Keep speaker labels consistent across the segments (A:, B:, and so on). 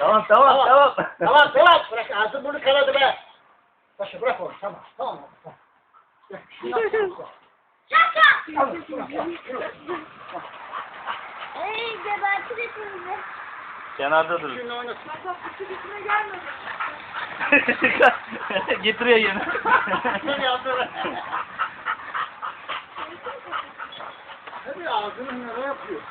A: Tamam tamam tamam.
B: Tamam tamam. Bırak ağzını bunu kanadı be. Paşa bırak onu. Tamam tamam.
C: Şaka! Ey gebertir hepimizi.
A: Kenarda durun.
B: Şimdi oynasın.
C: Bak kutu bitme gelmedi.
A: Getiriyor yine.
B: Seni yaptı. Tabii ağzını nere yapıyor?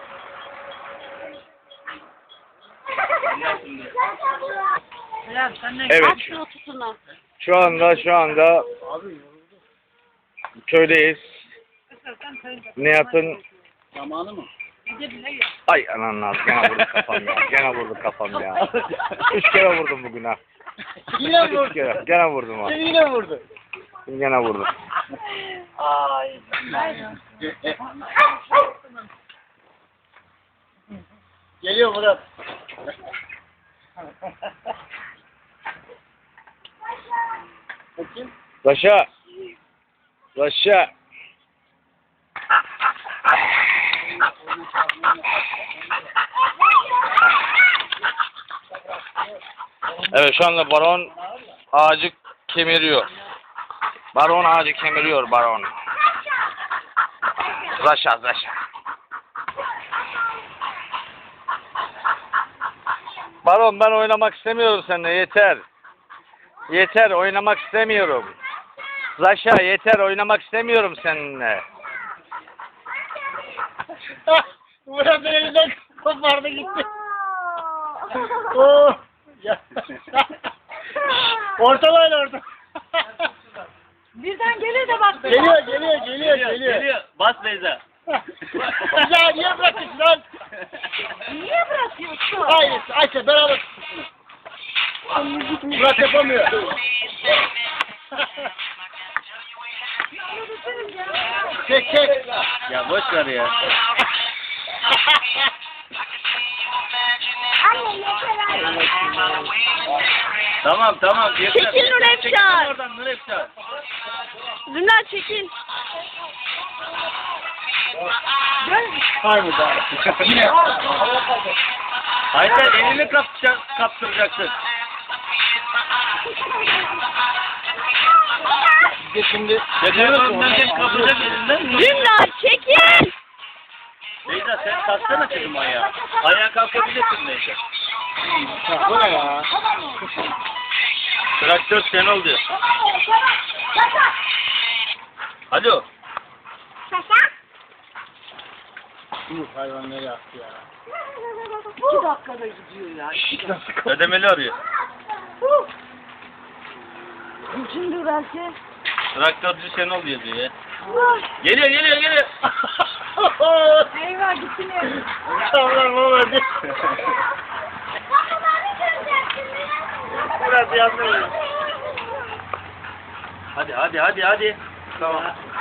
D: Evet. Şu anda köydeyiz. Nihat'ın
B: Zamanı mı?
D: ay ananı ağzı, gene vurdu kafam ya. Gene vurdu kafam ya. 3 kere vurdum bugün ha.
B: Yine
D: 3
B: vurdu.
D: kere. Gene vurdum ha.
B: Seni yine vurdu.
D: Gene vurdum.
A: Ay.
B: Geliyor Murat. Bakayım.
D: Taşa. Taşa. Evet şu anda baron ağacı kemiriyor. Baron ağacı kemiriyor baron. Zaşa. Baron ben oynamak istemiyorum seninle yeter. Yeter oynamak istemiyorum. Zaşa yeter oynamak istemiyorum seninle.
B: Murat elinden kopardı gitti. Oo. Ya. Ortalayın orada.
C: Birden gelir de bak.
B: Geliyor.
A: Bas Beyza.
B: Ya niye bırakıyorsun lan?
C: Niye bırakıyorsun?
B: Hayır Ayşe beraber tutsun. Murat yapamıyor. Çek.
A: Ya boş ver ya.
C: Anne yeter
A: Tamam yeter.
C: Çekil Nurefşar.
A: Çekil oradan Nurefşar.
C: Zümra çekil.
B: Hayır mı daha? Yine.
A: Ayten elini kaptıracaksın.
B: Şimdi.
A: Önden kapacak elinden.
C: Zümra çekil.
A: Beyza sen kalksana kızım ayağa. Ayağa kalkabilirsin Beyza.
B: Bu ne ya?
A: Traktör sen ol diyor. Alo.
B: Hayvan ne yaptı ya?
C: 2 dakikada gidiyor ya.
A: Ödemeli arıyor.
C: Şimdi belki.
A: Traktörcü sen ol diyor ya. Geliyor.
C: Eyvah gitti ne?
B: Tamam olmadı. Biraz yandım.
A: Hadi.
B: Tamam.